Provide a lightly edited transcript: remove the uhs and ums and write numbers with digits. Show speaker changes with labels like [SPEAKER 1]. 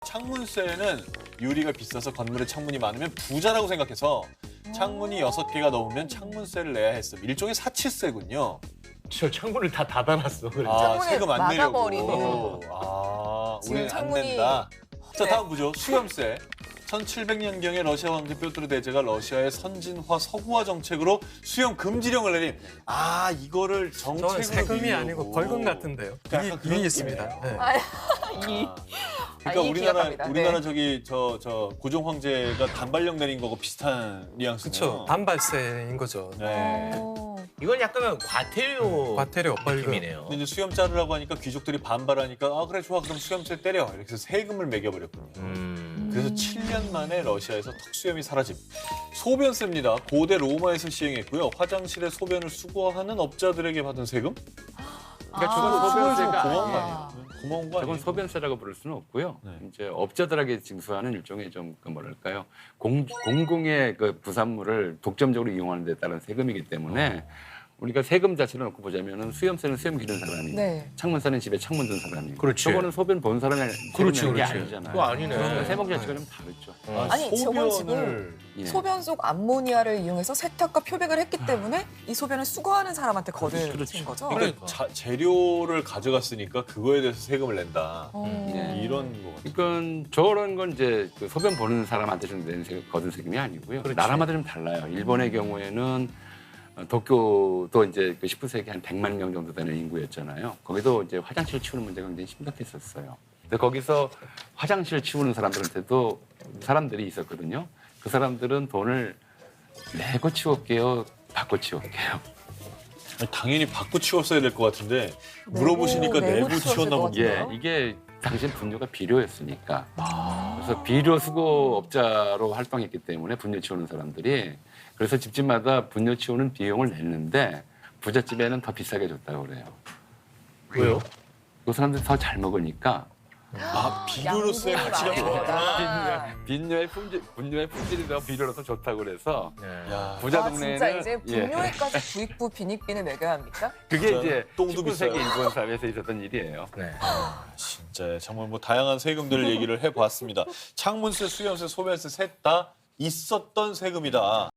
[SPEAKER 1] 창문세는 유리가 비싸서 건물에 창문이 많으면 부자라고 생각해서 창문이 6개가 넘으면 창문세를 내야 했음. 일종의 사치세군요.
[SPEAKER 2] 저 창문을 다 닫아놨어. 그래서.
[SPEAKER 1] 아,
[SPEAKER 3] 창문을
[SPEAKER 1] 세금 안 내려고.
[SPEAKER 3] 막아버리는.
[SPEAKER 1] 아,
[SPEAKER 3] 지금
[SPEAKER 1] 우리는 안
[SPEAKER 3] 창문이-
[SPEAKER 1] 낸다. 자,
[SPEAKER 3] 네.
[SPEAKER 1] 다음 보죠. 수염세. 1700년경에 러시아 황제 뾰트르 대제가 러시아의 선진화 서구화 정책으로 수염 금지령을 내림. 아, 이거를 정책으로
[SPEAKER 2] 저는 세금이
[SPEAKER 1] 밀려고.
[SPEAKER 2] 아니고 벌금 같은데요.
[SPEAKER 1] 약간 그런
[SPEAKER 2] 이익 있습니다.
[SPEAKER 1] 느낌이에요.
[SPEAKER 2] 네.
[SPEAKER 3] 아,
[SPEAKER 1] 그러니까
[SPEAKER 3] 이
[SPEAKER 1] 우리나라
[SPEAKER 3] 기억합니다. 네.
[SPEAKER 1] 저기 저 고종 황제가 단발령 내린 거고 비슷한 뉘앙스네요.
[SPEAKER 2] 그렇죠. 반발세인 거죠.
[SPEAKER 1] 네.
[SPEAKER 3] 오.
[SPEAKER 4] 이건 약간 과태료
[SPEAKER 2] 과태료 벌금.
[SPEAKER 4] 느낌이네요.
[SPEAKER 1] 근데 이제 수염 자르라고 하니까 귀족들이 반발하니까 아 그래 좋아 그럼 수염세 때려 이렇게 해서 세금을 매겨버렸군요. 그래서 7년 만에 러시아에서 턱수염이 사라짐. 소변세입니다. 고대 로마에서 시행했고요. 화장실에 소변을 수거하는 업자들에게 받은 세금?
[SPEAKER 5] 그러니까 저건 소변세가
[SPEAKER 1] 고마운 거
[SPEAKER 5] 아니에요.
[SPEAKER 1] 아니에요? 고마운 거
[SPEAKER 5] 저건
[SPEAKER 1] 아니에요?
[SPEAKER 5] 소변세라고 부를 수는 없고요.
[SPEAKER 1] 네.
[SPEAKER 5] 이제 업자들에게 징수하는 일종의 좀 그 뭐랄까요 공공의 그 부산물을 독점적으로 이용하는 데 따른 세금이기 때문에 우리가 세금 자체를 놓고 보자면은 수염세는 수염 기른 사람이,
[SPEAKER 3] 네.
[SPEAKER 5] 창문세는 집에 창문 든 사람이.
[SPEAKER 4] 그렇지.
[SPEAKER 5] 저거는 소변 본 사람이
[SPEAKER 4] 그렇지,
[SPEAKER 5] 세금 내는 게
[SPEAKER 4] 그렇지.
[SPEAKER 5] 아니잖아요.
[SPEAKER 4] 그거 아니네.
[SPEAKER 5] 그러니까 세목 자체가 좀 다르죠.
[SPEAKER 3] 아니, 저건 지금
[SPEAKER 5] 예.
[SPEAKER 3] 소변 속 암모니아를 이용해서 세탁과 표백을 했기 때문에 이 소변을 수거하는 사람한테 거둔
[SPEAKER 5] 그렇죠.
[SPEAKER 3] 거죠.
[SPEAKER 1] 그러니까 재료를 가져갔으니까 그거에 대해서 세금을 낸다.
[SPEAKER 3] 어.
[SPEAKER 5] 예.
[SPEAKER 1] 이런 거 같아요.
[SPEAKER 5] 그러니까 저런 건 이제 그 소변 보는 사람한테 좀 내는 거둔 세금이 아니고요.
[SPEAKER 4] 그렇지.
[SPEAKER 5] 나라마다 좀 달라요. 일본의 경우에는 도쿄도 이제 그 19세기 한 100만 명 정도 되는 인구였잖아요. 거기도 이제 화장실 치우는 문제가 굉장히 심각했었어요. 근데 거기서 화장실 치우는 사람들한테도 사람들이 있었거든요. 그 사람들은 돈을 내고 치울게요, 받고 치울게요.
[SPEAKER 1] 아니, 당연히 받고 치웠어야 될 것 같은데
[SPEAKER 3] 내고,
[SPEAKER 1] 물어보시니까
[SPEAKER 3] 내고
[SPEAKER 1] 내고
[SPEAKER 3] 치웠을
[SPEAKER 1] 치웠나
[SPEAKER 3] 것
[SPEAKER 1] 보네.
[SPEAKER 3] 같아요.
[SPEAKER 5] 예, 이게 당시 분뇨가 비료였으니까. 그래서 비료 수거업자로 활동했기 때문에 분뇨 치우는 사람들이 그래서 집집마다 분뇨 치우는 비용을 냈는데 부잣집에는 더 비싸게 줬다고 그래요.
[SPEAKER 4] 왜요?
[SPEAKER 5] 그 사람들이 더 잘 먹으니까
[SPEAKER 1] 아, 비료로서의
[SPEAKER 3] 양분이
[SPEAKER 1] 가치가
[SPEAKER 3] 많은
[SPEAKER 1] 있구나.
[SPEAKER 3] 거다.
[SPEAKER 5] 분뇨의 품질이 더 비료로 더 좋다고 그래서
[SPEAKER 1] 야,
[SPEAKER 5] 부자
[SPEAKER 3] 아,
[SPEAKER 5] 동네에는
[SPEAKER 3] 진짜 이제
[SPEAKER 5] 예,
[SPEAKER 3] 분뇨에까지 부익부 빈익빈을 매겨야 합니까?
[SPEAKER 5] 그게
[SPEAKER 1] 진짜
[SPEAKER 5] 이제
[SPEAKER 1] 똥도
[SPEAKER 5] 19세기
[SPEAKER 1] 비싸요.
[SPEAKER 5] 일본 사회에서 있었던 일이에요.
[SPEAKER 4] 네.
[SPEAKER 1] 진짜 정말 뭐 다양한 세금들을 얘기를 해보았습니다. 창문세, 수염세, 소변세 셋 다 있었던 세금이다.